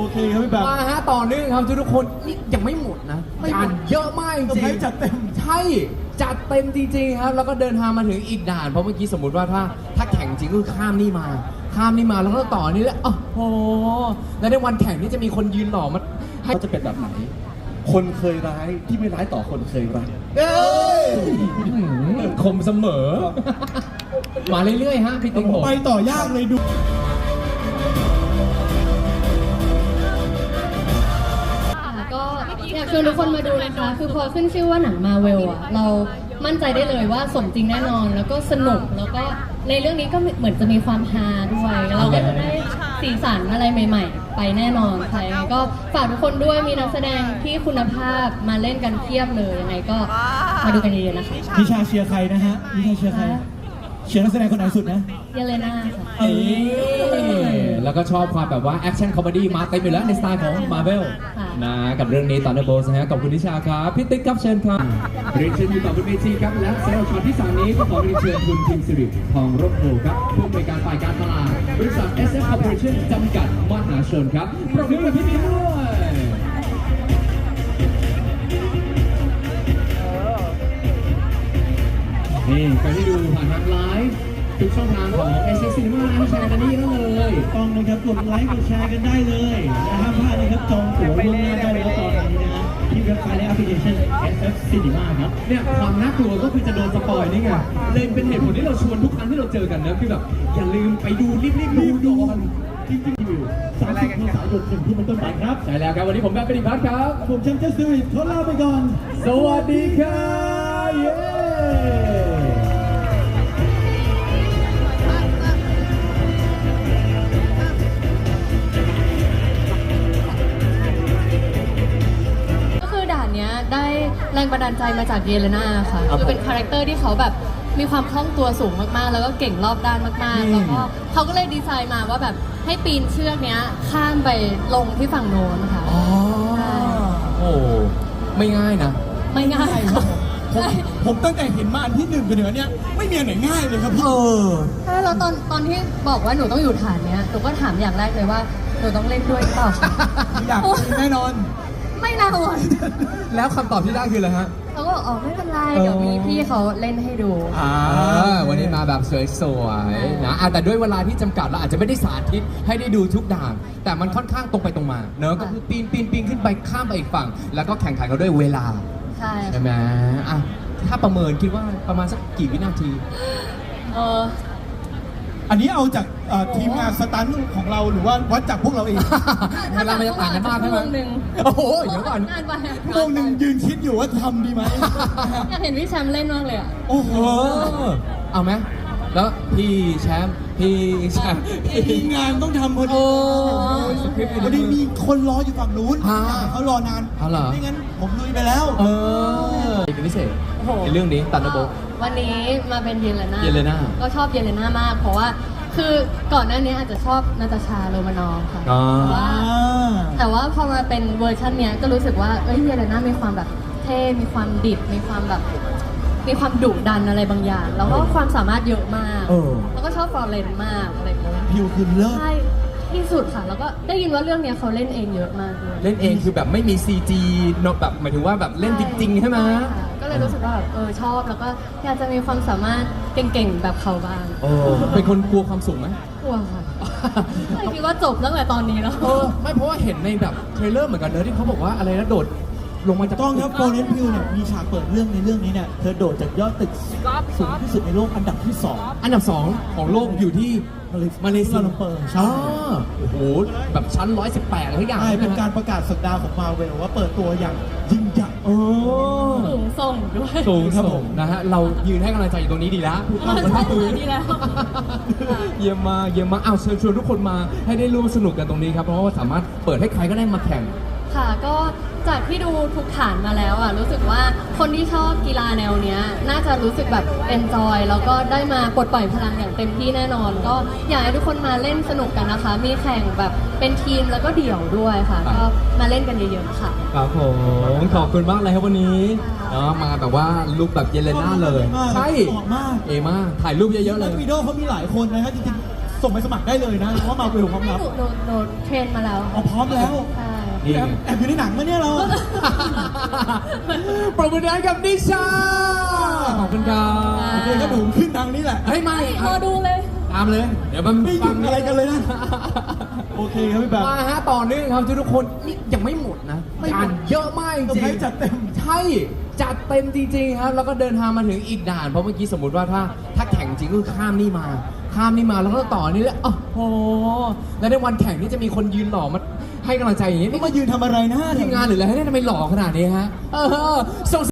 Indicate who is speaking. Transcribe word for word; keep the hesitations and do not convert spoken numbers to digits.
Speaker 1: โอเคครับพี่แบบ
Speaker 2: มาฮะต่อเนื่องครับทุกคนนี่ยังไม่หมดนะจานเยอะมากจริง
Speaker 1: จัดเต็ม
Speaker 2: ใช่จัดเต็มจริงๆครับแล้วก็เดินทางมาถึงอีกด่านเพราะเมื่อกี้สมมติว่าถ้าถ้าแข่งจริงก็ข้ามนี่มาข้ามนี่มาแล้วก็ต่อนี่แล้วโอ้โหแล้วในวันแข่งนี่จะมีคนยืนหล่อมาให้
Speaker 3: เขาจะเป็นแบบไหนคนเคยร้ายที่ไม่ร้ายต่อคนเคยรัก
Speaker 2: เอ้ยคมเสมอมาเรื่อยๆฮะพี่ติ๊กผม
Speaker 1: ไปต่อยากเลยดู
Speaker 4: ก็อยากชวนทุกคนมาดูนะคะคือพอขึ้นชื่อว่าหนังมาเวลอะเรามั่นใจได้เลยว่าสมจริงแน่นอนแล้วก็สนุกแล้วก็ในเรื่องนี้ก็เหมือนจะมีความฮาด้วยเราก็จะได้สีสันอะไรใหม่ๆไปแน่นอนใครก็ฝากทุกคนด้วยมีนักแสดงที่คุณภาพมาเล่นกันเพียบเลยยังไงก็มาดูกันเยอะๆนะคะ
Speaker 1: นิชาเชียร์ใครนะฮะนิชาเชียร์ใครเชียร์นักแสดงคนไหนสุดนะ
Speaker 4: เยเลน่าค่ะ
Speaker 2: เออแล้วก็ชอบความแบบว่าแอคชั่นคอมเมดี้มาเต็มอยู่แล้วในสไตล์ของมาร์เวลนะกับเรื่องนี้ตอนเดอร์โบสนะฮะขอบคุณนิชาครับพี่ติ๊กครับเชิญครับ
Speaker 3: เรียนเชิญอยู่ต่อบนเวทีครับและสำหรับช็อตที่สามนี้ก็ขอเรียนเชิญคุณทีมสิริทองร่มโพครับผู้อำนวยการฝ่ายการตลาดบริษัท เอส เอฟ Corporation จำกัดมหาชนครับปรบมือกับพี่มิ้นด้วยนี่ใครที่ดูผ่านทางไลฟ์ทุกช่องทางของ เอส เอฟ Cinema นะแชร์กันนี่ได้เลย
Speaker 1: ต้องนะครับกดไลค์กดแชร์กันได้เลยนะห้ามพลาดนะครับจองตั๋วล่วงหน้าได้แล้วตอนนี้นะที่เว็บไซต์และแอปพลิเคชัน เอส เอฟ Cinema ครับ
Speaker 3: เนี่ยความน่ากลัวก็คือจะโดนสปอยนี่ไงเลยเป็นเหตุผลที่เราชวนทุกครั้งที่เราเจอกันนะคือแบบอย่าลืมไปดูรีบๆดูดู
Speaker 1: จริงๆอยู่สามสิบเมษายนถึงที่มันต้นไปครับ
Speaker 3: ใช่แล้วครับวันนี้ผมแบบปฏิพัฒน์ครับ
Speaker 1: ผมแชมป์เจสซี่ขอลาไปก่อน
Speaker 3: สวัสดีครับเย้
Speaker 4: ได้แรงบันดาลใจมาจากเยเลน่าค่ะคือเป็นคาแรคเตอร์ที่เขาแบบมีความคล่องตัวสูงมากๆแล้วก็เก่งรอบด้านมากๆแล้วก็เขาก็เลยดีไซน์มาว่าแบบให้ปีนเชือกเนี้ยข้ามไปลงที่ฝั่งโน้นค่ะ
Speaker 2: อ๋อโอ้ไม่ง่ายนะ
Speaker 4: ไม่ง่าย
Speaker 1: ผมผมตั้งแต่เห็นมาอันที่หนึ่งไปเหนือเนี้ยไม่มีอันไหนง่ายเลยครับพี่เออ
Speaker 4: ใช่แล้วตอนตอนที่บอกว่าหนูต้องอยู่ฐานเนี้ยหนูก็ถามอย่างแรกเลยว่าหนูต้องเล่นด้วยหรือเปล่า
Speaker 1: อยากแน่นอน
Speaker 4: ไม่น่าห่วง
Speaker 2: แล้วคำตอบที่ได้คืออะไรฮะ
Speaker 4: เขาก็บอกอ๋อไม่เป็นไรเดี๋ยวมีพี่เขาเล่นให้ดู
Speaker 2: อ่าวันนี้มาแบบสวยๆนะแต่ด้วยเวลาที่จำกัดเราอาจจะไม่ได้สาธิตให้ได้ดูทุกด่านแต่มันค่อนข้างตรงไปตรงมาเนอะก็คือปีนปีนปีนขึ้นไปข้ามไปอีกฝั่งแล้วก็แข่งขันกันด้วยเวลา
Speaker 4: ใช่
Speaker 2: ใช่ไหมอ่ะถ้าประเมินคิดว่าประมาณสักกี่วินาที
Speaker 4: เออ
Speaker 1: อันนี้เอาจากทีมงานสตันท์ของเราหรือว่าวัดจากพวกเราเอง
Speaker 2: เวลามันจะต่างกันมากใช่ไหมโอ้โหเดี๋ยวก่อน
Speaker 1: โมงหนึ่งยืนคิดอยู่ว่าทำดีไหม
Speaker 4: อยากเห็นพี่แชมป์เล่นมากเลยอ่ะ
Speaker 2: โอ้โหเอาไหมแล้วพี่แชมป์พี่แชมป์
Speaker 1: ทีมงานต้องทำพอดีพอดีมีคนรออยู่ฝั่งนู้นเขารอนานไม่งั้นผมลุยไปแล้ว
Speaker 2: เออเป็นพิเศษในเรื่องนี้ตันโบ
Speaker 4: วันนี้มาเป็นเยเลน่า
Speaker 2: เยเลน่า
Speaker 4: ก็ชอบเยเลน่ามากเพราะว่าคือก่อนหน้านี้อาจจะชอบนาตาชาโรมานอฟค่ะแต่ว่าพอมาเป็นเวอร์ชันเนี้ยก็รู้สึกว่าเอ้ยเยเลน่ามีความแบบเท่มีความดิบมีความแบบมีความดุดันอะไรบางอย่างแล้วก็ความสามารถเยอะมากแล้วก็ชอบฟลอเรนมากอะไรแบบนี้
Speaker 1: ผิวคือเลิศ
Speaker 4: ใช่ที่สุดค่ะแล้วก็ได้ยินว่าเรื่องนี้เขาเล่นเองเยอะมากเลย
Speaker 2: เล่นเองคือแบบไม่มี ซี จี เนาะแบบหมายถึงว่าแบบเล่นจริงๆใช่ไหม
Speaker 4: ก็เลยรู้สึกว่าแบบเออชอบแล้วก็อยากจะมีความสามารถเก่งๆแบบเขาบ้าง
Speaker 2: โอ้เป็นคนกลัวความสูงไหม
Speaker 4: กลัวค่ะไม่คิดว่าจบตั้งแต่ตอนนี้แล้ว
Speaker 2: เออไม่เพราะว่าเห็นในแบบเทรลเลอร์เหมือนกันเนอะที่เขาบอกว่าอะไรนะโดดลงมาจาก
Speaker 1: ต้องครับโฟเรนพิวเนี่ยมีฉากเปิดเรื่องในเรื่องนี้เนี่ยเธอโดดจากยอดตึกสูงที่สุดในโลกอันดับที่สอง
Speaker 2: อันดับสองของโลกอยู่ที่มาเลเซีย
Speaker 1: เปิด
Speaker 2: ใช่โอ้โหแบบชั้นหนึ่งร้อยสิบแปดอะไรอย่าง
Speaker 1: ใช่เป็นการประกาศสัปดาห์ของมาเวลว่าเปิดตัวอย่างยิ่งใหญ่
Speaker 2: โอ้
Speaker 4: สูงส่งด้วย
Speaker 2: สูงครับผมนะฮะเรายืนให้กำลังใจอยู่ตรงนี้ดีแล้ว
Speaker 4: ใช่ดีแล้ว
Speaker 2: เยี่ยมมาเยี่ยมมาอ้าวเชิญชวนทุกคนมาให้ได้ร่วมสนุกกันตรงนี้ครับเพราะว่าสามารถเปิดให้ใครก็ได้มาแข่ง
Speaker 4: ค่ะก็จากที่ดูทุกฐานมาแล้วอ่ะรู้สึกว่าคนที่ชอบกีฬาแนวเนี้ยน่าจะรู้สึกแบบเอนจอยแล้วก็ได้มาปลดปล่อยพลังอย่างเต็มที่แน่นอนก็อยากให้ทุกคนมาเล่นสนุกกันนะคะมีแข่งแบบเป็นทีมแล้วก็เดี่ยวด้วยค่ะก็มาเล่นกันเยอะๆค่ะ
Speaker 2: ครับผมขอบคุณมากเลยครับวันนี้เนาะมาแบบว่าลุคแบบเยเลน่าเลยใช่เอมากถ่ายรูปเยอะๆเลย
Speaker 1: วีดีโอเขามีหลายคนนะครับจริงๆส่งไปสมัครได้เลยนะเพราะว่ามาเวลพร้อม
Speaker 4: ให้
Speaker 1: รับ
Speaker 4: หนูหนูหนูเทรนมาแล้ว
Speaker 1: อ๋อพร้อมแล้ว
Speaker 4: ใช่
Speaker 3: นี่
Speaker 1: แอบแอบอยู่ในหนังมาเนี่ยเรา
Speaker 2: ปรบมือดังกับนิชาขอบคุณครับ
Speaker 1: โอเคก็ดูขึ้นทางนี้แหละ
Speaker 2: เฮ้ยไม่
Speaker 4: รอดูเลย
Speaker 2: ตามเลย เดี๋ยวมัน
Speaker 1: ไม่หยุดอะไรกันเลยนะ โอเคครับพี่แบบ
Speaker 2: มาฮะต่อเนื่องครับทุกคนนี่ยังไม่หมดนะ
Speaker 1: ไม่หมด
Speaker 2: งานเยอะมากจริง
Speaker 1: เซอร์ไพรส์จัดเต็ม
Speaker 2: ใช่จัดเต็มจริงๆครับแล้วก็เดินทางมาถึงอีกด่านเพราะเมื่อกี้สมมติว่าถ้าถ้าแข่งจริงก็คือข้ามนี่มาข้ามนี่มาแล้วก็ต่อนี่แล้วโอ้โหแล้วในวันแข่งนี่จะมีคนยืนหล่อมาให้กำลังใจอย่างนี้
Speaker 1: นี่
Speaker 2: นี่
Speaker 1: มายืนทำอะไรนะ
Speaker 2: ทีมงานหรืออะไรให้ได้ทำไมหล่อขนาดนี้ฮะเออส่ง